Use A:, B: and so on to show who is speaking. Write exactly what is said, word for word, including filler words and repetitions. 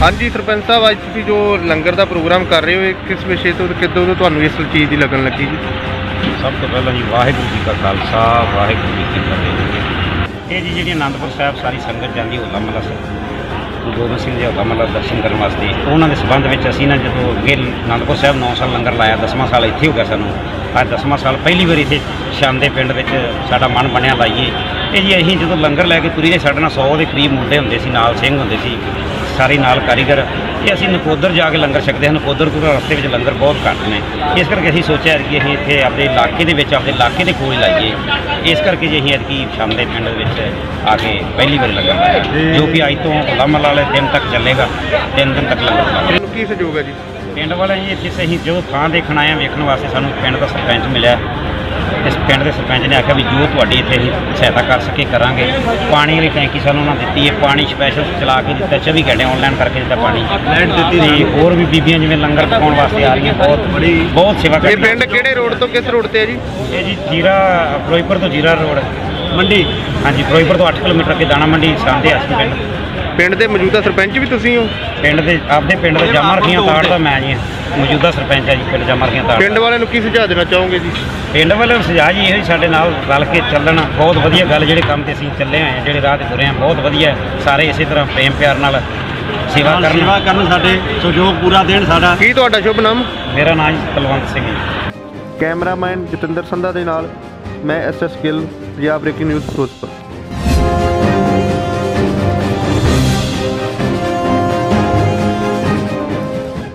A: हाँ जी सरपंच साहब, अज तुसीं जो लंगर का प्रोग्राम कर रहे हो, किस विषय तो किदों तो तुहानूं इस चीज़ की लगन लगी जी?
B: सब तो पहला जी वाहिगुरू जी का खालसा वाहिगुरू जी की फतेह। ये जी जी आनंदपुर साहब सारी संगत जाती होला महला गुरु गोबिंद सिंह जी होला महला दर्शन करने वास्ते। उन्होंने संबंध में असीं ना जो अगे आनंदपुर साहब नौ साल लंगर लाया, दसवां साल इत्थे हो गया सानूं। अज दसवां साल पहली बार इत्थे शाम के पिंड विच साडा मन बनया लाइए। ये जी असीं जो लंगर लैके तुरी दे साडे नाल सौ के करीब मुंडे हुंदे सी, नाल सिंह हुंदे सी, सारे नाल कारीगर। ये असीं नकोदर जाके लंगर छकते हैं। नकोदर को रस्ते में लंगर बहुत घट ने, इस करके असीं सोचा कि असीं इत्थे अपने इलाके दे विच अपने इलाके दे कोल लाइए। इस करके जी असीं अदकी शाम के पिंड विच आके पहली बार लंगर लाया, जो कि अज तो होला-महला वाले दिन तक चलेगा। तीन दिन तक लंगर चलेगा।
A: की सहयोग है जी
B: पिंड वाले जी? इत्थे असीं जो थां देखण आए वेखण वास्ते सानूं पिंड का सरपंच मिलिया। इस पिंड के सरपंच ने आख्या भी जो तुहाडी इत्थे असीं सहायता कर सके करांगे। पानी वाली टैंकी सानूं उन्होंने दित्ती है, पानी स्पैशल चला के दिता, चौबी घंटे ऑनलाइन करके दिता पानी, लाइट दित्ती। होर भी बीबियां जिवें लंगर पकाउण वास्ते आ रही हैं, बहुत बड़ी बहुत सेवा कर।
A: ये पिंड किहड़े रोड तो किस रोड ते है जी?
B: ये जी जीरा फिरोजपुर तो जीरा रोड मंडी। हाँ जी, फिरोजपुर तो अठ किलोमीटर के दाणा मंडी सामने असीं पिंड।
A: पिंड के मौजूदा सरपंच भी तुसीं हो?
B: पिंड के आपदे पिंड के जामा रखियां ताड़ का मैं जी मौजूदा सरपंच है जी पिंड जामा रखियां ताड़।
A: पिंड वाले की सुझाव देना चाहोगे जी?
B: पिंड वाले सुझाव जी यही साडे नाल रल के चलना बहुत वधिया गल। जिहड़े काम ते असीं चले आए हैं, जिहड़े राह ते तुरे हैं, बहुत वधिया। सारे इसी तरह प्रेम प्यार नाल सेवा करन सेवा करन साडे सहयोग पूरा देण साडा।
A: की तुहाडा शुभ नाम?
B: मेरा नाम जी कुलवंत सिंह जी।
A: कैमरामैन जतिंदर संधा दे नाल मैं S S Gill, Punjab breaking news Firozpur.